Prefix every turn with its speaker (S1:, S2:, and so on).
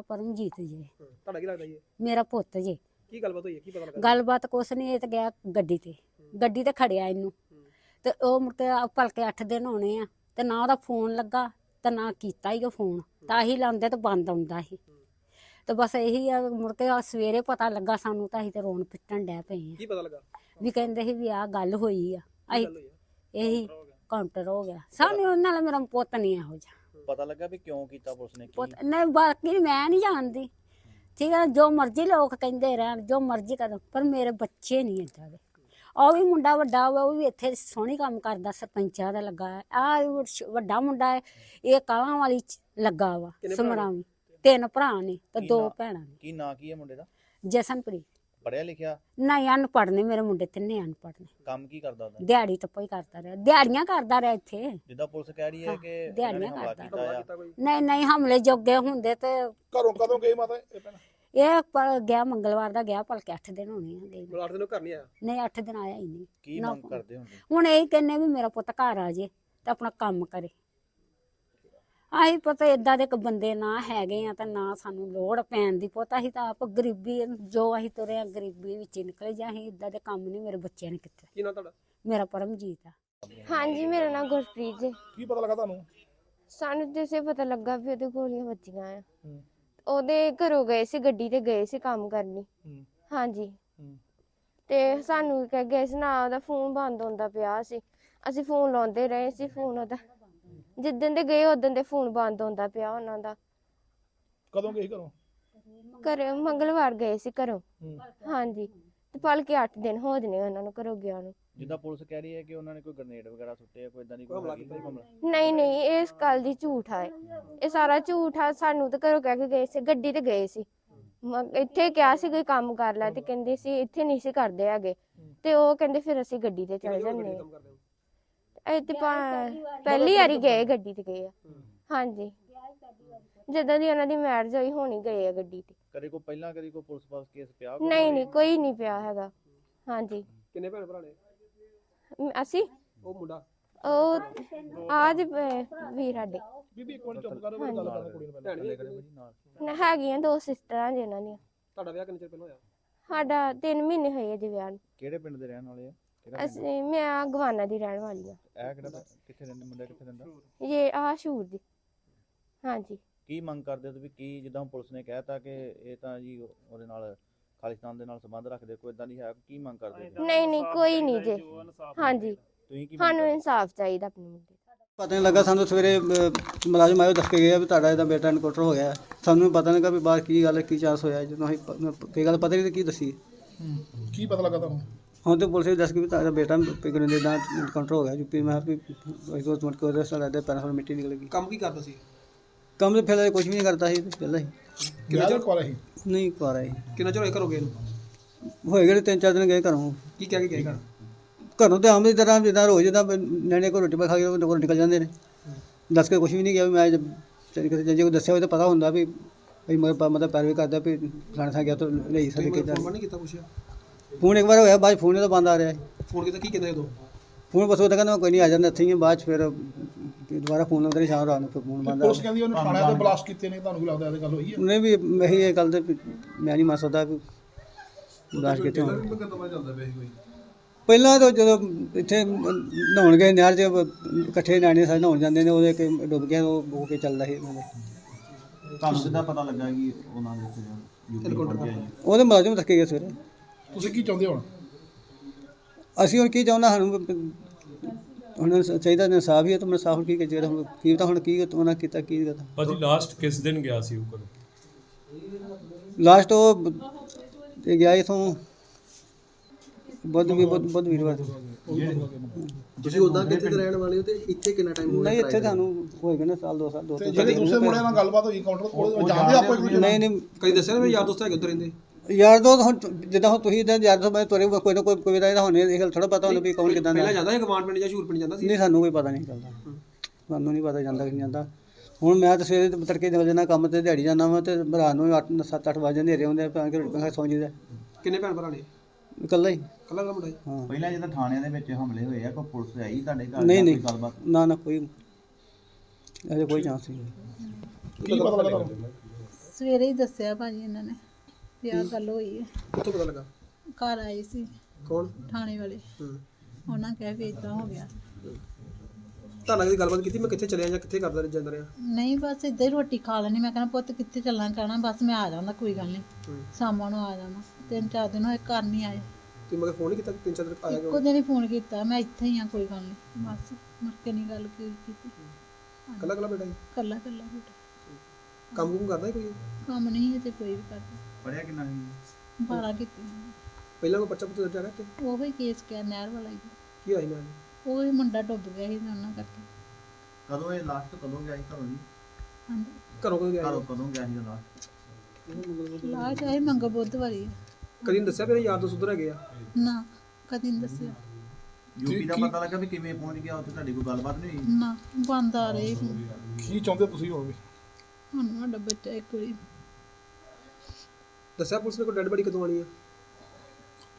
S1: ਪਰਮਜੀਤ ਜੀ।
S2: ਤੁਹਾਡਾ ਕੀ ਲੱਗਦਾ ਜੀ?
S1: ਮੇਰਾ ਪੁੱਤ ਜੀ।
S2: ਕੀ ਗੱਲਬਾਤ ਹੋਈ ਹੈ, ਕੀ ਪਤਾ ਲੱਗਾ?
S1: ਗੱਲਬਾਤ ਕੁਛ ਨਹੀਂ, ਇਹ ਤਾਂ ਗਿਆ ਗੱਡੀ ਤੇ ਖੜਿਆ ਇਹਨੂੰ ਤੇ ਉਹ ਮੁੜ ਕੇ ਭਲਕੇ 8 ਦਿਨ ਹੋਣੇ ਆ ਤੇ ਨਾ ਉਹਦਾ ਫੋਨ ਲੱਗਾ ਤੇ ਨਾ ਕੀਤਾ ਹੀ ਉਹ ਫੋਨ, ਤਾਂ ਹੀ ਲਾਉਂਦੇ ਤੇ ਬੰਦ ਆਉਂਦਾ ਸੀ। ਤੇ ਬਸ ਇਹੀ ਆ, ਮੁੜ ਕੇ ਸਵੇਰੇ ਪਤਾ ਲੱਗਾ ਸਾਨੂੰ ਤਾਂ ਅਸੀਂ ਤੇ ਰੋਣ ਪਿੱਟਣ ਡੈ ਪਏ ਆ।
S2: ਕੀ ਪਤਾ ਲੱਗਾ?
S1: ਵੀ ਕਹਿੰਦੇ ਸੀ ਵੀ ਆਹ ਗੱਲ ਹੋਈ ਆ। ਅਸੀਂ
S2: ਗੱਲ ਹੋਈ ਆ?
S1: ਇਹੀ ਕਾਊਂਟਰ ਹੋ ਗਿਆ ਸਾਨੂੰ, ਉਹਨਾਂ ਨਾਲ ਮੇਰਾ ਪੁੱਤ ਨਹੀਂ ਇਹੋ ਜਿਹਾ।
S3: ਪਤਾ ਲੱਗਾ ਵੀ ਕਿਉਂ ਕੀਤਾ ਪੁਲਿਸ ਨੇ?
S1: ਪੁੱਤ ਨਹੀਂ, ਬਾਕੀ ਮੈਂ ਨਹੀਂ ਜਾਣਦੀ, ਠੀਕ ਹੈ, ਜੋ ਮਰਜ਼ੀ ਲੋਕ ਕਹਿੰਦੇ ਰਹਿਣ, ਜੋ ਮਰਜ਼ੀ ਕਰਨ, ਪਰ ਮੇਰੇ ਬੱਚੇ ਨਹੀਂ ਏਦਾਂ ਦੇ। ਉਹ ਵੀ ਮੁੰਡਾ ਵੱਡਾ ਹੋਇਆ, ਉਹ ਵੀ ਇੱਥੇ ਸੋਹਣੀ ਕੰਮ ਕਰਦਾ, ਸਰਪੰਚਾਂ ਦਾ ਲੱਗਾ ਹੈ। ਆਹ ਵੱਡਾ ਮੁੰਡਾ ਹੈ, ਇਹ ਕਾਲਾਂ ਵਾਲੀ ਚ ਲੱਗਾ ਵਾ ਸਮਰਾਵੀ। 3 ਭਰਾ ਨੇ ਤੇ 2 ਭੈਣਾਂ ਨੇ।
S3: ਕੀ ਨਾਂ ਕੀ ਹੈ ਮੁੰਡੇ ਦਾ?
S1: ਜਸਨਪ੍ਰੀਤ।
S3: ਪੜਿਆ ਲਿਖਿਆ?
S1: ਨਹੀਂ, ਅਨਪੜ੍ਹ ਨੇ ਮੇਰੇ ਮੁੰਡੇ, 3 ਅਨਪੜ੍ਹ ਨੇ।
S3: ਕੰਮ ਕੀ ਕਰਦਾ ਉਹਦਾ?
S1: ਦਿਹਾੜੀ ਟੱਪਾ ਹੀ ਕਰਦਾ ਰਿਹਾ, ਦਿਹਾੜੀਆਂ ਕਰਦਾ ਰਿਹਾ ਇੱਥੇ।
S3: ਜਿੱਦਾਂ ਪੁਲਿਸ ਕਹਿ ਰਹੀ ਹੈ ਕਿ
S1: ਦਿਹਾੜੀਆਂ
S3: ਹਮਲਾ
S1: ਕਰਦਾ।
S3: ਕੀਤਾ ਆ।
S1: ਨਹੀਂ, ਹਮਲੇ ਜੋਗੇ ਹੁੰਦੇ ਤੇ
S2: ਘਰੋਂ ਕਦੋਂ ਗਏ ਮਾਤਾ ਇਹ ਭੈਣ?
S1: ਇਹ ਗਿਆ ਮੰਗਲਵਾਰ ਦਾ ਗਿਆ, ਭਲਕੇ 8 ਦਿਨ ਹੋਣੇ ਆ ਗਏ।
S2: 8 ਦਿਨ ਘਰ ਨਹੀਂ ਆਇਆ?
S1: ਨਹੀਂ, 8 ਦਿਨ ਆਇਆ ਹੀ ਨਹੀਂ।
S3: ਕੀ ਮੰਗ ਕਰਦੇ ਹੁੰਦੇ?
S1: ਹੁਣ ਇਹ ਕਹਿੰਨੇ ਵੀ ਮੇਰਾ ਪੁੱਤ ਘਰ ਆ ਜੇ ਤੇ ਆਪਣਾ ਕੰਮ ਕਰੇ। ਆਹੀ ਪਤਾ ਏਦਾਂ ਦੇ ਇੱਕ ਬੰਦੇ ਨਾ ਹੈਗੇ ਆ ਤਾਂ ਨਾ ਸਾਨੂੰ ਲੋੜ ਪੈਣ ਦੀ। ਪੁੱਤ ਅਸੀਂ ਤਾਂ ਆਪ ਗਰੀਬੀ, ਜੋ ਅਸੀਂ ਤੁਰੇ ਆ ਗਰੀਬੀ ਵਿੱਚ ਹੀ ਨਿਕਲੇ, ਜਾਂ ਅਸੀਂ ਏਦਾਂ ਦੇ ਕੰਮ ਨਹੀਂ ਮੇਰੇ ਬੱਚਿਆਂ ਨੇ ਕੀਤੇ।
S2: ਕੀ ਨਾਂ ਤੁਹਾਡਾ?
S1: ਮੇਰਾ ਪਰਮਜੀਤ ਆ।
S4: ਹਾਂਜੀ, ਮੇਰਾ ਨਾਮ ਗੁਰਪ੍ਰੀਤ ਜੀ।
S2: ਕੀ ਪਤਾ ਲੱਗਾ ਤੁਹਾਨੂੰ?
S4: ਸਾਨੂੰ ਜਿਸੇ ਪਤਾ ਲੱਗਾ ਵੀ ਉਹਦੇ ਗੋਲੀਆਂ ਵੱਜੀਆਂ ਆ। ਉਹਦੇ ਘਰੋਂ ਗਏ ਸੀ, ਗੱਡੀ ਤੇ ਗਏ ਸੀ ਕੰਮ ਕਰਨੀ। ਹਾਂਜੀ, ਤੇ ਸਾਨੂੰ ਕਹਿ ਗਏ ਸੀ ਨਾ, ਉਹਦਾ ਫੋਨ ਬੰਦ ਹੁੰਦਾ ਪਿਆ ਸੀ। ਅਸੀਂ ਫੋਨ ਲਾਉਂਦੇ ਰਹੇ ਸੀ, ਫੋਨ ਉਹਦਾ ਜਿੱਦਣ ਦੇ ਗਏ ਉਦੋਂ ਦੇ ਫੋਨ ਬੰਦ ਹੁੰਦਾ ਪਿਆ ਉਹਨਾਂ ਦਾ।
S2: ਕਦੋਂ ਗਏ ਘਰੋਂ?
S4: ਘਰੇ ਮੰਗਲਵਾਰ ਗਏ ਸੀ ਘਰੋਂ। ਹਾਂਜੀ, ਤੇ ਭਲਕੇ 8 ਦਿਨ ਹੋ ਜਨੇ ਉਹਨਾਂ ਨੂੰ ਘਰੋਂ ਗਿਆ ਨੂੰ।
S3: ਜਿੱਦਾਂ ਪੁਲਿਸ ਕਹਿ ਰਹੀ ਹੈ ਕਿ ਉਹਨਾਂ ਨੇ ਕੋਈ ਗ੍ਰਨੇਡ ਵਗੈਰਾ ਸੁੱਟੇ, ਕੋਈ ਇਦਾਂ ਦੀ ਕੋਈ ਹਮਲਾ?
S4: ਨਹੀਂ, ਇਸ ਗੱਲ ਦੀ ਝੂਠ ਆ। ਇਹ ਸਾਰਾ ਝੂਠ ਆ। ਸਾਨੂੰ ਤਾਂ ਘਰੋਂ ਕਹਿ ਕੇ ਗਏ ਸੀ, ਗੱਡੀ ਤੇ ਗਏ ਸੀ। ਇੱਥੇ ਕਿਹਾ ਸੀ ਕੋਈ ਕੰਮ ਕਰ ਲੈ, ਤੇ ਕਹਿੰਦੇ ਸੀ ਇੱਥੇ ਨਹੀਂ ਸੀ ਕਰਦੇ ਹੈਗੇ, ਤੇ ਉਹ ਕਹਿੰਦੇ ਫਿਰ ਅਸੀਂ ਗੱਡੀ ਤੇ ਚਲੇ ਜਾਂਦੇ ਆ। ਇਹ ਤੇ ਪਹਿਲੀ ਵਾਰੀ ਗਏ, ਗੱਡੀ ਤੇ ਗਏ ਆ। ਹਾਂਜੀ, ਜਦੋਂ ਦੀ ਉਹਨਾਂ ਦੀ ਮੈਰਿਜ ਹੋਈ ਹੋਣੀ ਗਏ ਆ ਗੱਡੀ ਤੇ।
S3: ਕਦੇ ਕੋਈ ਪਹਿਲਾਂ ਕਦੀ ਕੋਈ ਪੁਲਿਸ ਪਾਸ ਕੇਸ ਪਿਆ?
S4: ਨਹੀਂ, ਕੋਈ ਨਹੀਂ ਪਿਆ ਹੈਗਾ। ਹਾਂਜੀ।
S2: ਕਿੰਨੇ ਭੈਣ ਭਰਾ ਨੇ?
S4: ਅਸੀਂ
S2: ਉਹ ਮੁੰਡਾ?
S4: ਉਹ ਆਜ ਵੀਰ ਸਾਡੇ।
S2: ਬੀਬੀ ਇੱਕ ਮਿੰਟ ਚੁੱਪ ਕਰੋ, ਮੇਰੀ ਗੱਲ ਕਰਨ ਕੁੜੀ ਨੂੰ ਪਹਿਲਾਂ।
S4: ਹੈਗੀਆਂ 2 ਸਿਸਟਰਾਂ ਜਿਨ੍ਹਾਂ ਦੀਆਂ।
S2: ਤੁਹਾਡਾ ਵਿਆਹ ਕਿੰਨੇ ਚਿਰ ਪਹਿਲਾਂ ਹੋਇਆ?
S4: ਸਾਡਾ 3 ਮਹੀਨੇ ਹੋਏ ਅਜੇ ਵਿਆਹ ਨੂੰ।
S3: ਕਿਹੜੇ ਪਿੰਡ ਦੇ ਰਹਿਣ ਵਾਲੇ ਆ?
S4: ਮੈਂ ਗਵਾਨਾ ਦੀ ਰਹਿਣ ਵਾਲੀ ਆ।
S3: ਇਹ ਕਿਹੜਾ ਕਿੱਥੇ ਰਹਿੰਦੇ ਮੁੰਡਾ, ਕਿੱਥੇ ਰਹਿੰਦਾ?
S4: ਇਹ ਸ਼ੂਰ ਦੀ। ਹਾਂਜੀ।
S3: ਕੀ ਮੰਗ ਕਰਦੇ ਹੋ ਤੁਸੀਂ? ਕੀ ਜਿੱਦਾਂ ਪੁਲਿਸ ਨੇ ਕਹਿਤਾ ਕਿ ਇਹ ਤਾਂ ਜੀ ਉਹਦੇ ਨਾਲ ਖਾਲਿਸਤਾਨ ਦੇ ਨਾਲ ਸੰਬੰਧ ਰੱਖਦੇ, ਕੋਈ ਇਦਾਂ ਨਹੀਂ ਹੈ? ਕੀ ਮੰਗ ਕਰਦੇ ਹੋ?
S4: ਨਹੀਂ, ਕੋਈ ਨਹੀਂ ਜੇ। ਹਾਂਜੀ,
S3: ਤੁਸੀਂ ਕੀ
S4: ਸਾਨੂੰ ਇਨਸਾਫ ਚਾਹੀਦਾ ਆਪਣੇ ਮੁੰਡੇ।
S5: ਪਤਾ ਨਹੀਂ ਲੱਗਾ ਸਾਨੂੰ, ਸਵੇਰੇ ਮੁਲਾਜ਼ਮ ਆਏ ਦੱਸ ਕੇ ਗਏ ਵੀ ਤੁਹਾਡਾ ਇਹਦਾ ਬੇਟਾ ਐਨਕਾਊਂਟਰ ਹੋ ਗਿਆ। ਸਾਨੂੰ ਪਤਾ ਨਹੀਂ ਲੱਗਾ ਵੀ ਬਾਹਰ ਕੀ ਗੱਲ, ਕੀ ਚਾਂਸ ਹੋਇਆ। ਜਦੋਂ ਅਸੀਂ ਕੋਈ ਗੱਲ ਪਤਾ ਨਹੀਂ ਕੀ ਦੱਸੀ।
S2: ਕੀ ਪਤਾ ਲੱਗਾ ਤੁਹਾਨੂੰ?
S5: ਹੁਣ ਤੇ ਪੁਲਿਸ ਵੀ ਦੱਸ ਕੇ ਵੀ ਤੁਹਾਡਾ ਬੇਟਾ ਪਿਗਨ ਦਾ ਐਨਕਾਊਂਟਰ ਹੋ ਗਿਆ ਯੂਪੀ। ਮੈਂ ਵੀ ਦੋ ਮਿੰਟ ਕੋਲ ਰਸਤਾ ਲੱਗਦਾ, ਪੈਰਾਂ ਤੋਂ ਮਿੱਟੀ ਨਿਕਲ ਗਈ।
S2: ਕੰਮ ਕੀ ਕਰਦਾ ਸੀ?
S5: ਕੰਮ ਤੇ ਫਿਰ ਕੁਝ ਵੀ ਨਹੀਂ ਕਰਦਾ ਸੀ ਪਹਿਲਾਂ ਹੀ।
S2: ਕਿੰਨਾ ਚਿਰ ਕੋਲ ਸੀ?
S5: ਨਹੀਂ ਕਰ ਆਈ।
S2: ਕਿੰਨਾ ਚਿਰ ਹੋਇਆ ਘਰੋਂ ਗਏ ਨੂੰ?
S5: ਹੋਏ ਗਏ 3-4 ਦਿਨ ਗਏ ਘਰੋਂ।
S2: ਕੀ ਕਹਿ ਕੇ ਗਏ ਘਰ?
S5: ਘਰੋਂ ਤੇ ਆਮ ਦੀ ਤਰ੍ਹਾਂ ਜਿੱਦਾਂ ਰੋਜ਼ ਜਿੱਦਾਂ ਨਿਆਣੇ ਕੋਲ ਰੋਟੀ ਪਾ ਖਾ ਕੇ ਉਹ ਕੋਲ ਨਿਕਲ ਜਾਂਦੇ ਨੇ। ਦੱਸ ਕੇ ਕੁਝ ਵੀ ਨਹੀਂ ਗਿਆ ਵੀ ਮੈਂ ਜੇ ਕੋਈ ਦੱਸਿਆ ਹੋਵੇ ਤਾਂ ਪਤਾ ਹੁੰਦਾ ਵੀ ਮਤਲਬ ਪੈਰਵੀ ਕਰਦਾ ਵੀ ਫਲਾਣੇ ਥਾਂ ਗਿਆ ਤਾਂ ਲਈ ਸਕਦੇ ਕਿੱਦਾਂ।
S2: ਫੋਨ ਨਹੀਂ ਕੀਤਾ ਪੁੱਛਿਆ?
S5: ਫੋਨ ਇੱਕ ਵਾਰ ਹੋਇਆ, ਬਾਅਦ ਫੋਨ ਤਾਂ ਬੰਦ ਆ ਰਿਹਾ।
S2: ਫੋਨ ਕੀਤਾ, ਕੀ ਕਹਿੰਦੇ ਉਦੋਂ?
S5: ਫੋਨ ਬਸ ਉਹ ਤਾਂ ਕਹਿੰਦਾ ਕੋਈ ਨਹੀਂ ਆ ਜਾਂਦਾ ਇੱਥੇ ਹੀ। ਬਾਅਦ 'ਚ ਫਿਰ ਦੁਬਾਰਾ ਫੋਨ ਲਾਉਂਦੇ ਨੇ ਸ਼ਾਮ ਰਾਤ ਨੂੰ, ਫਿਰ ਫੋਨ ਬੰਦ ਆ।
S2: ਪੁਲਿਸ ਕਹਿੰਦੀ ਉਹਨੇ ਥਾਣੇ ਤੇ ਬਲਾਸਟ ਕੀਤੇ ਨੇ, ਤੁਹਾਨੂੰ ਕੀ ਲੱਗਦਾ ਇਹ ਗੱਲ ਹੋਈ ਹੈ?
S5: ਉਹਨੇ ਵੀ ਇਹੀ ਇਹ ਗੱਲ ਤੇ ਮੈਂ ਨਹੀਂ ਮੰਨ ਸਕਦਾ ਵੀ ਬਲਾਸਟ ਕੀਤੇ ਹੋਣ। ਪਹਿਲਾਂ ਤਾਂ ਜਦੋਂ ਇੱਥੇ ਨਹਾਉਣ ਗਏ ਨਹਿਰ 'ਚ, ਇਕੱਠੇ ਨਿਆਣੇ ਸਾਰੇ ਨਹਾਉਣ ਜਾਂਦੇ ਨੇ, ਉਹਦੇ ਕਿ ਡੁੱਬ ਗਿਆ, ਉਹ ਹੋ ਕੇ ਚੱਲਦਾ ਸੀ।
S3: ਤੁਹਾਨੂੰ ਕਿੱਦਾਂ ਪਤਾ ਲੱਗਾ ਕਿ ਉਹਨਾਂ ਦੇ
S5: ਉਹਦੇ ਮੁਲਾਜ਼ਮ ਥੱਕੇ ਗਏ ਸਵੇਰੇ।
S2: ਤੁਸੀਂ ਕੀ ਚਾਹੁੰਦੇ ਹੋ ਹੁਣ?
S5: ਅਸੀਂ ਹੁਣ ਕੀ ਚਾਹੁੰਦਾ, ਸਾਨੂੰ ਹੁਣ ਚਾਹੀਦਾ ਇਨਸਾਫ ਹੀ ਹੈ। ਤਾਂ ਇਨਸਾਫ ਕੀ ਚਾਹੀਦਾ ਹੁਣ? ਕੀ ਤਾਂ ਹੁਣ ਕੀ ਉਹਨਾਂ ਕੀਤਾ, ਕੀ ਕਰਤਾ?
S6: ਭਾਜੀ ਲਾਸਟ ਕਿਸ ਦਿਨ ਗਿਆ ਸੀ ਉਹ ਘਰੋਂ?
S5: ਲਾਸਟ ਉਹ ਗਿਆ ਇਥੋਂ ਵੀਰਵਾਰ।
S7: ਤੁਸੀਂ ਉਦਾਂ ਕਿੱਥੇ ਦੇ ਰਹਿਣ ਵਾਲੇ ਹੋ ਤੇ ਇੱਥੇ ਕਿੰਨਾ ਟਾਈਮ ਹੋ ਗਿਆ?
S5: ਨਹੀਂ, ਇੱਥੇ ਤੁਹਾਨੂੰ ਹੋਏਗਾ ਨਾ ਸਾਲ 2 ਸਾਲ।
S2: ਜਿਹੜੇ ਦੂਸਰੇ ਮੁੰਡਿਆਂ ਨਾਲ ਗੱਲਬਾਤ ਹੋਈ ਕਾਊਂਟਰ ਕੋਲ, ਜਾਣਦੇ ਆਪੋ ਇੱਕ ਦੂਜੇ ਨੂੰ?
S5: ਨਹੀਂ,
S7: ਕਈ ਦੱਸਿਆ ਨਾ ਮੇਰੇ ਯਾਰ ਦੋਸਤ ਹੈਗੇ ਉੱਧਰ ਰਹਿੰਦੇ।
S5: ਯਾਰ ਦੋ ਹੁਣ ਜਿੱਦਾਂ ਹੁਣ ਤੁਸੀਂ ਇਦਾਂ ਯਾਰ ਦੋਸਤ ਤੁਰੇ ਕੋਈ ਨਾ ਕੋਈ ਦਾ ਇਹਦਾ ਹੋਣੇ, ਇਹ ਗੱਲ ਥੋੜਾ ਪਤਾ ਹੁੰਦਾ ਵੀ ਕੌਣ ਕਿੱਦਾਂ ਦਾ।
S7: ਪਹਿਲਾਂ ਜਾਂਦਾ ਸੀ ਗਵਾਂਡ ਪਿੰਡ ਜਾਂ ਸ਼ੂਰ ਪਿੰਡ ਜਾਂਦਾ ਸੀ?
S5: ਨਹੀਂ, ਸਾਨੂੰ ਕੋਈ ਪਤਾ ਨਹੀਂ ਚੱਲਦਾ। ਸਾਨੂੰ ਨਹੀਂ ਪਤਾ ਜਾਂਦਾ ਕਿ ਨਹੀਂ ਜਾਂਦਾ। ਹੁਣ ਮੈਂ ਤਾਂ ਸਵੇਰੇ ਤੜਕੇ ਨਿਕਲ ਜਾਂਦਾ ਕੰਮ ਤੇ, ਦਿਹਾੜੀ ਜਾਂਦਾ ਵਾ, ਤੇ ਰਾਤ ਨੂੰ 7-8 ਵਜੇ ਹਨੇਰੇ ਹੁੰਦੇ ਆ, ਕਿ ਰੋਟੀ ਖਾ ਸੌਂ ਜੀਦਾ।
S7: ਕਿੰਨੇ ਭੈਣ ਭਰਾ ਨੇ?
S5: ਇਕੱਲਾ ਹੀ।
S7: ਕੱਲਾ ਮੁੰਡਾ ਹੀ?
S5: ਹਾਂ।
S3: ਪਹਿਲਾਂ ਜਦੋਂ ਥਾਣਿਆਂ ਦੇ ਵਿੱਚ ਹਮਲੇ ਹੋਏ ਆ, ਕੋਈ ਪੁਲਿਸ ਆਈ ਤੁਹਾਡੇ ਘਰ?
S5: ਨਹੀਂ,
S3: ਗੱਲਬਾਤ?
S5: ਨਾ ਕੋਈ ਅਜੇ ਕੋਈ ਚਾਂਸ ਨਹੀਂ।
S2: ਕੀ ਪਤਾ ਲੱਗਾ ਤੁਹਾਨੂੰ?
S8: ਸਵੇਰੇ ਹੀ ਦੱਸਿਆ ਭਾਜੀ ਇਹਨਾਂ ਨੇ ਵੀ ਆਹ ਗੱਲ ਹੋਈ ਹੈ।
S7: ਕਿੱਥੋਂ ਪਤਾ ਲੱਗਾ?
S8: ਘਰ ਆਏ ਸੀ
S7: ਕੌਣ?
S8: ਥਾਣੇ ਵਾਲੇ,
S7: ਹੂੰ।
S8: ਉਹਨਾਂ ਕਹਿ ਵੀ ਏਦਾਂ ਹੋ ਗਿਆ।
S7: ਤਾਂ ਲੱਗਦੀ ਗੱਲਬਾਤ ਕੀਤੀ ਮੈਂ ਕਿੱਥੇ ਚਲਿਆ ਜਾਂ ਕਿੱਥੇ ਕਰਦਾ ਜਾਂਦਾ ਰਿਹਾ?
S8: ਨਹੀਂ ਬਸ ਇੱਦਾਂ ਹੀ ਰੋਟੀ ਖਾ ਲੈਣੀ। ਮੈਂ ਕਹਿੰਦਾ ਪੁੱਤ ਕਿੱਥੇ ਚੱਲਣਾ, ਕਹਿਣਾ ਬਸ ਮੈਂ ਆ ਜਾਂਦਾ, ਕੋਈ ਗੱਲ ਨਹੀਂ, ਸ਼ਾਮਾਂ ਨੂੰ ਆ ਜਾਣਾ। 3-4 ਦਿਨ ਹੋਏ ਘਰ ਨਹੀਂ ਆਏ।
S7: ਤੁਸੀਂ ਮਗਰ ਫੋਨ ਨਹੀਂ ਕੀਤਾ? 3-4 ਦਿਨ ਆਇਆ
S8: ਇੱਕੋ ਦਿਨ ਹੀ ਫੋਨ ਕੀਤਾ, ਮੈਂ ਇੱਥੇ ਹੀ ਆ, ਕੋਈ ਗੱਲ ਨਹੀਂ, ਬਸ ਮੁੜ ਕੇ ਨਹੀਂ ਗੱਲ ਕੀਤੀ।
S7: ਕੱਲਾ ਬੇਟਾ ਜੀ?
S8: ਕੱਲਾ ਬੇਟਾ।
S7: ਕੰਮ ਕੁਮ ਕਰਦਾ ਕੋਈ?
S8: ਕੰਮ ਨਹੀਂ ਤੇ ਕੋਈ ਵੀ ਕਰਦਾ।
S3: ਪੜਿਆ ਕਿੰਨਾ ਸੀ?
S8: 12 ਕੀਤੀ।
S7: ਪਹਿਲਾਂ ਕੋਈ ਬੱਚਾ ਪੁੱਤ ਜਾ ਰਿਹਾ ਤੇ
S8: ਉਹ ਹੀ ਕੇਸ ਕਿਆ ਨਹਿਰ ਵਾਲਾ ਹੀ।
S7: ਕੀ ਹੋਇਆ ਮੈਂ?
S8: ਉਹ ਹੀ ਮੁੰਡਾ ਡੁੱਬ ਗਿਆ ਸੀ ਉਹਨਾਂ ਕਰਕੇ।
S3: ਕਦੋਂ ਇਹ ਲਾਸਟ ਕਦੋਂ ਗਿਆ ਸੀ ਘਰੋਂ ਜੀ?
S8: ਹਾਂਜੀ
S7: ਘਰੋਂ ਕਦੋਂ ਗਿਆ?
S3: ਘਰੋਂ ਕਦੋਂ ਗਿਆ ਸੀ ਲਾਸਟ?
S8: ਲਾਹ ਚਾਹੇ ਮੰਗ ਬੁੱਧਵਾਰੀ।
S7: ਕਦੀ ਨੀ ਦੱਸਿਆ ਮੇਰੇ ਯਾਰ ਦੋਸਤ ਉਧਰ ਹੈਗੇ ਆ?
S8: ਨਾ ਕਦੀ ਨਹੀਂ ਦੱਸਿਆ।
S3: ਯੂਪੀ ਦਾ ਪਤਾ ਲੱਗਾ ਵੀ ਕਿਵੇਂ ਪਹੁੰਚ ਗਿਆ ਉੱਥੇ? ਤੁਹਾਡੀ ਕੋਈ ਗੱਲਬਾਤ ਨਹੀਂ ਹੋਈ?
S8: ਨਾ ਬੰਦ ਆ ਰਹੇ
S2: ਕੀ ਚਾਹੁੰਦੇ ਤੁਸੀਂ ਹੁਣ ਵੀ?
S8: ਹੁਣ ਸਾਡਾ ਬੱਚਾ ਇੱਕ ਵਾਰੀ
S7: ਦੱਸਿਆ ਪੁਲਿਸ ਨੇ ਕੋਈ ਡੈਡ ਬੜੀ ਕਦੋਂ ਆਣੀ ਆ?